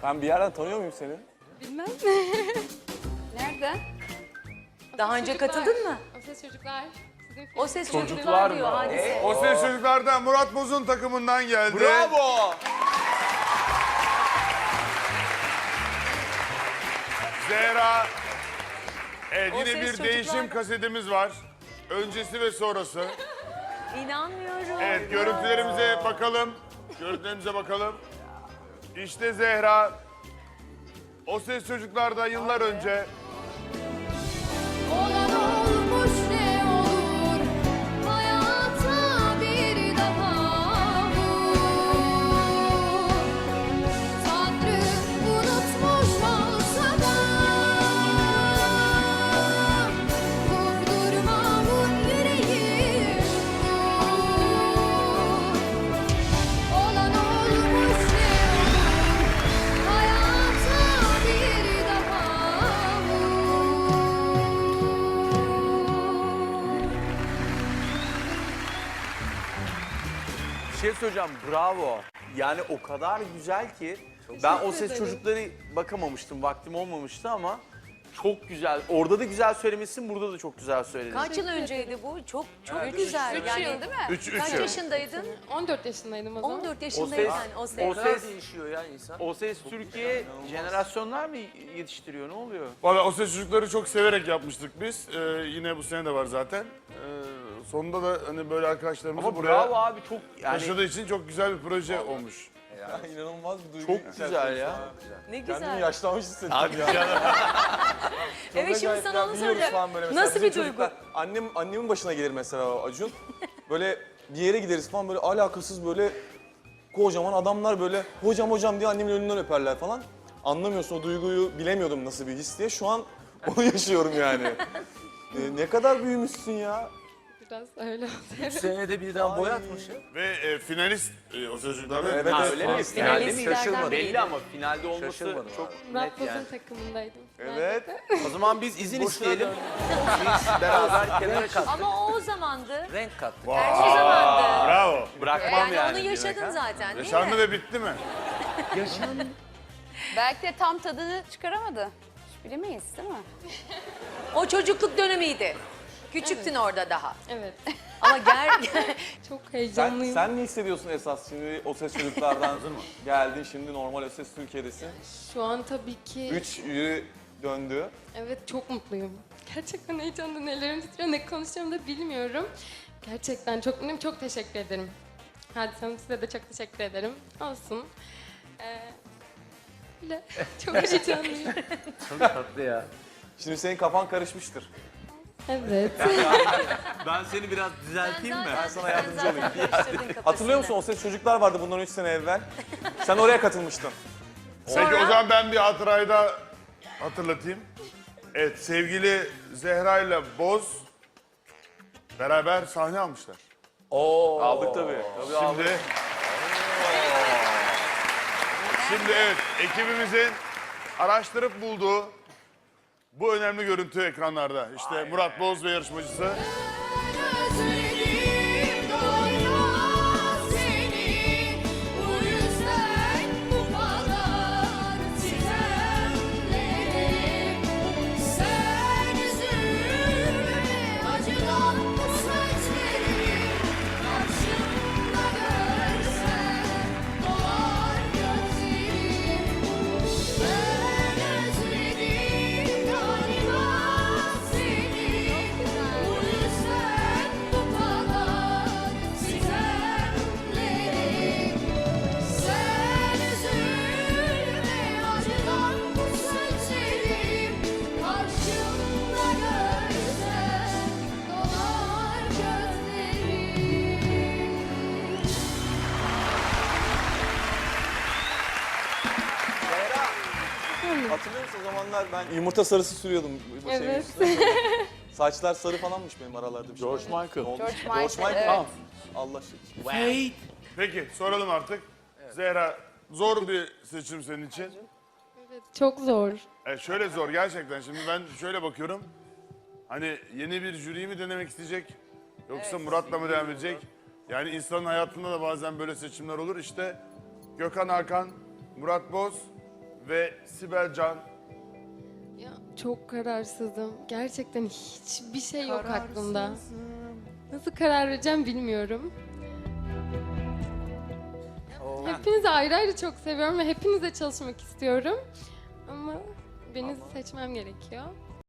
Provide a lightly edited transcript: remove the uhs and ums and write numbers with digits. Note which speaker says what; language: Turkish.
Speaker 1: Ben bir yerden tanıyor muyum seni?
Speaker 2: Bilmem.
Speaker 3: Nerede?
Speaker 4: Daha önce katıldın mı?
Speaker 2: O Ses Çocuklar. Sizin
Speaker 4: O Ses
Speaker 1: Çocuklar
Speaker 4: Çocuklar
Speaker 1: mı?
Speaker 4: diyor Hadise.
Speaker 5: O Ses Çocuklar'dan Murat Boz'un takımından geldi.
Speaker 1: Bravo!
Speaker 5: Zehra. Evet,
Speaker 4: O
Speaker 5: yine
Speaker 4: Ses
Speaker 5: bir
Speaker 4: Çocuklar
Speaker 5: değişim
Speaker 4: da-
Speaker 5: kasetimiz var. Öncesi ve sonrası.
Speaker 4: İnanmıyorum.
Speaker 5: Evet, görüntülerimize bakalım. Görüntülerimize bakalım. İşte Zehra. O Ses Çocuklar'da yıllar önce
Speaker 6: Olan olmuş ne olur hayata bir daha vur. Tanrı unutmuş olsa da vurdurma bu yüreği vur. Olan olmuş ne olur hayata bir daha vur.
Speaker 1: Bir şey söyleyeceğim, bravo. Yani o kadar güzel ki ben o ses çocukları bakamamıştım, vaktim olmamıştı ama çok güzel. Orada da güzel söylemişsin, burada da çok güzel söyledin.
Speaker 4: Kaç yıl önceydi bu? Çok güzel.
Speaker 3: 3 yıl değil mi?
Speaker 5: 3
Speaker 4: Kaç
Speaker 5: yıl.
Speaker 4: yaşındaydın?
Speaker 2: 14 yaşındaydım o zaman.
Speaker 4: 14
Speaker 1: O
Speaker 4: yaşındayken
Speaker 1: ses,
Speaker 4: o ses.
Speaker 1: o ses değişiyor ya insan. O ses Türkiye jenerasyonlar mı yetiştiriyor, ne oluyor?
Speaker 5: Valla O Ses Çocukları çok severek yapmıştık biz. Yine bu sene de var zaten. Sonunda da hani böyle arkadaşlarımızı
Speaker 1: Ama
Speaker 5: buraya
Speaker 1: bravo abi, çok yani
Speaker 5: taşıdığı için çok güzel bir proje olmuş.
Speaker 7: İnanılmaz bir duygu.
Speaker 1: çok güzel ya.
Speaker 4: Ne
Speaker 7: Kendimi
Speaker 4: güzel.
Speaker 7: yaşlanmış hissettim
Speaker 1: Abi
Speaker 7: ya.
Speaker 1: canım.
Speaker 4: Evet şimdi
Speaker 7: Acayip
Speaker 4: sana
Speaker 7: ya,
Speaker 4: onu
Speaker 7: biliyoruz
Speaker 4: soracağım.
Speaker 7: falan böyle mesela.
Speaker 4: Nasıl
Speaker 7: Bizim
Speaker 4: bir duygu?
Speaker 7: çocuklar- Annemin başına gelir mesela o Acun. Böyle bir yere gideriz falan böyle alakasız böyle kocaman adamlar böyle hocam diye annemin önünden öperler falan. Anlamıyorsun o duyguyu, bilemiyordum nasıl bir his diye. Şu an onu yaşıyorum yani. Ne kadar büyümüşsün ya.
Speaker 2: Biraz öyle oluyor.
Speaker 1: Senede birden boy atmış ya.
Speaker 5: Ve finalist O Ses Çocukları.
Speaker 7: Evet,
Speaker 1: Ha,
Speaker 7: evet.
Speaker 1: öyle mi?
Speaker 4: Finalde
Speaker 1: Finalde mi?
Speaker 4: şaşırmadım.
Speaker 1: Belli ama finalde olması
Speaker 7: Şaşırmadım
Speaker 1: çok
Speaker 2: Murat
Speaker 1: net
Speaker 2: Boz'un
Speaker 1: yani.
Speaker 2: takımındaydım.
Speaker 7: Evet.
Speaker 1: O zaman biz izin isteyelim. Biz beraber kenara kalk.
Speaker 4: Ama o zamandı.
Speaker 1: Renk kattık.
Speaker 4: Her şey zamandı.
Speaker 5: Bravo.
Speaker 1: Bırakmam
Speaker 4: Yani
Speaker 1: yani.
Speaker 4: onu yaşadın
Speaker 1: demek ha.
Speaker 4: zaten değil
Speaker 5: Yaşandı
Speaker 4: mi?
Speaker 5: ve bitti mi?
Speaker 3: Belki de tam tadını çıkaramadı. Hiç bilemeyiz değil mi?
Speaker 4: O çocukluk dönemiydi. Küçüktün orada daha.
Speaker 2: Evet.
Speaker 4: Ama
Speaker 2: Çok
Speaker 7: Sen,
Speaker 2: heyecanlıyım.
Speaker 7: sen ne hissediyorsun esas şimdi o ses çocuklardan geldin şimdi normal o ses Türkiye'desin.
Speaker 2: Şu an tabii ki
Speaker 7: 3 yürü döndü.
Speaker 2: evet çok mutluyum. Gerçekten heyecandan ellerim titriyor. Ne konuşacağımı da bilmiyorum. Gerçekten çok mutluyum. Çok teşekkür ederim. Hadise Hanım size de çok teşekkür ederim. Olsun. Öyle. Çok heyecanlıyım.
Speaker 1: Tatlı ya.
Speaker 7: Şimdi senin kafan karışmıştır.
Speaker 2: Evet.
Speaker 1: Ben seni biraz düzelteyim mi?
Speaker 7: Ben sana yardımcı olayım. Hatırlıyor musun o ses çocuklar vardı bundan 3 sene evvel. Sen oraya katılmıştın.
Speaker 5: Peki o zaman ben bir hatırayı da hatırlatayım. Evet, sevgili Zehra ile Boz beraber sahne almışlar.
Speaker 7: Aldık tabii. Tabii aldık.
Speaker 5: Şimdi evet, ekibimizin araştırıp bulduğu bu önemli görüntü ekranlarda. İşte Murat Boz ve yarışmacısı.
Speaker 6: Özledim doyma seni, bu yüzden bu kadar sitemlerim. Sen üzülme, acıdan bu saçlarım, karşımda görsen dolar gözlerim. Ben özledim galiba seni, bu yüzden bu kadar sitemlerim. Sen üzülme, acıdan bu saçlarım, karşımda görsen dolar gözlerim.
Speaker 7: Hatırlıyor musun o zamanlar ben yumurta sarısı sürüyordum. bu şeyin
Speaker 2: Evet.
Speaker 7: üstüne. Saçlar sarı falanmış benim aralarda bir şey.
Speaker 1: George Michael.
Speaker 7: Ne olmuş?
Speaker 3: George Michael, evet.
Speaker 7: Tamam. Allah aşkına.
Speaker 5: Peki soralım artık. Zehra, zor bir seçim senin için.
Speaker 2: Evet, çok zor.
Speaker 5: Şöyle zor gerçekten. Şimdi ben şöyle bakıyorum. Hani yeni bir jüriyi mi denemek isteyecek? Yoksa Murat'la mı devam edecek? Yani insanın hayatında da bazen böyle seçimler olur. İşte Gökhan Hakan, Murat Boz ve Sibel Can.
Speaker 2: Ya çok kararsızım. Gerçekten hiçbir şey yok aklımda. Nasıl karar vereceğim bilmiyorum. Hepinizi ayrı ayrı çok seviyorum ve hepinize çalışmak istiyorum. Ama beni seçmem gerekiyor.